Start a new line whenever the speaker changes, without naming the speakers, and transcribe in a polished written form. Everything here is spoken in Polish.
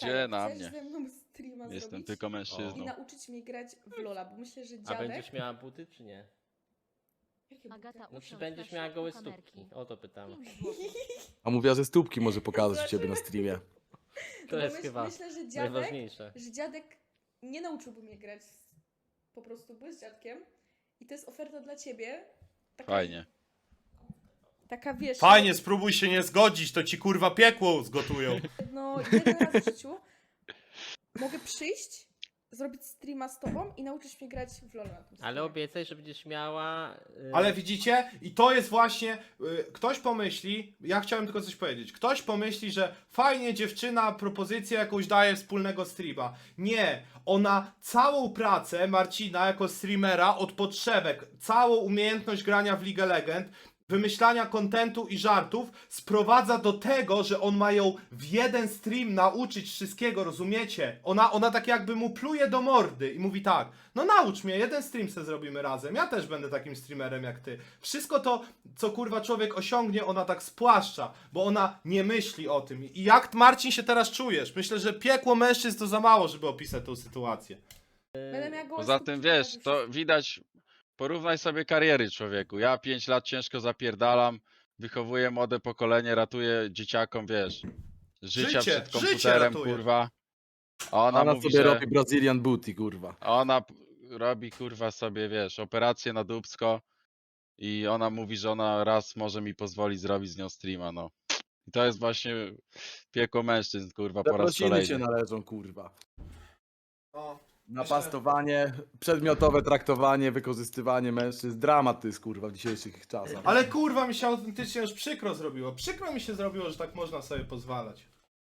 Gdzie na
chcesz
mnie?
ze mną streama
Jestem
zrobić
tylko
i
mężczyzną.
nauczyć mnie grać w LoL'a, bo myślę, że
A
dziadek...
będziesz miała buty czy nie?
Jakie buty?
Agata,
No czy
usiądź
będziesz
na
miała
środku
gołe
kamerki.
stópki? O to pytam.
5 złotych.
A mówiła, że stópki może pokazać u ciebie na streamie.
To
Bo
jest chyba
myślę,
najważniejsze.
że dziadek nie nauczyłby mnie grać po prostu, bo jest dziadkiem. I to jest oferta dla ciebie. Taka,
Fajnie.
Taka, wiesz...
Fajnie, spróbuj się nie zgodzić, to ci kurwa piekło zgotują.
No, jeden raz w życiu mogę przyjść, zrobić streama z tobą i nauczyć mnie grać w LoL na tym streamie.
Ale obiecaj, że będziesz miała...
Ale widzicie? I to jest właśnie, ktoś pomyśli, ja chciałem tylko coś powiedzieć, ktoś pomyśli, że fajnie dziewczyna propozycję jakąś daje wspólnego streama. Nie, ona całą pracę Marcina jako streamera od podszewek, całą umiejętność grania w League of Legends, wymyślania kontentu i żartów sprowadza do tego, że on ma ją w jeden stream nauczyć wszystkiego, rozumiecie? Ona tak jakby mu pluje do mordy i mówi tak, no naucz mnie, jeden stream se zrobimy razem, ja też będę takim streamerem jak ty. Wszystko to, co kurwa człowiek osiągnie, ona tak spłaszcza, bo ona nie myśli o tym. I jak Marcin się teraz czujesz? Myślę, że piekło mężczyzn to za mało, żeby opisać tą sytuację.
Będę miała gołe
Poza
stópki,
tym
pokażę
wiesz, to
wszystko.
widać, porównaj sobie kariery człowieku. Ja 5 lat ciężko zapierdalam, wychowuję młode pokolenie, ratuję dzieciakom, wiesz, życia
Życie
przed komputerem,
ratujesz.
kurwa. A ona
Ona
mówi,
sobie
że
robi Brazilian booty, kurwa.
robi kurwa sobie, wiesz, operację na dupsko i ona mówi, że ona raz może mi pozwolić zrobić z nią streama, no. I to jest właśnie piekło mężczyzn, kurwa, po raz
Zaprosiny się
kolejny.
należą, kurwa.
O,
Napastowanie, przedmiotowe traktowanie, wykorzystywanie mężczyzn. Dramat to jest, kurwa, w dzisiejszych czasach.
ale kurwa mi się autentycznie już przykro zrobiło. Przykro mi się zrobiło, że tak można sobie pozwalać.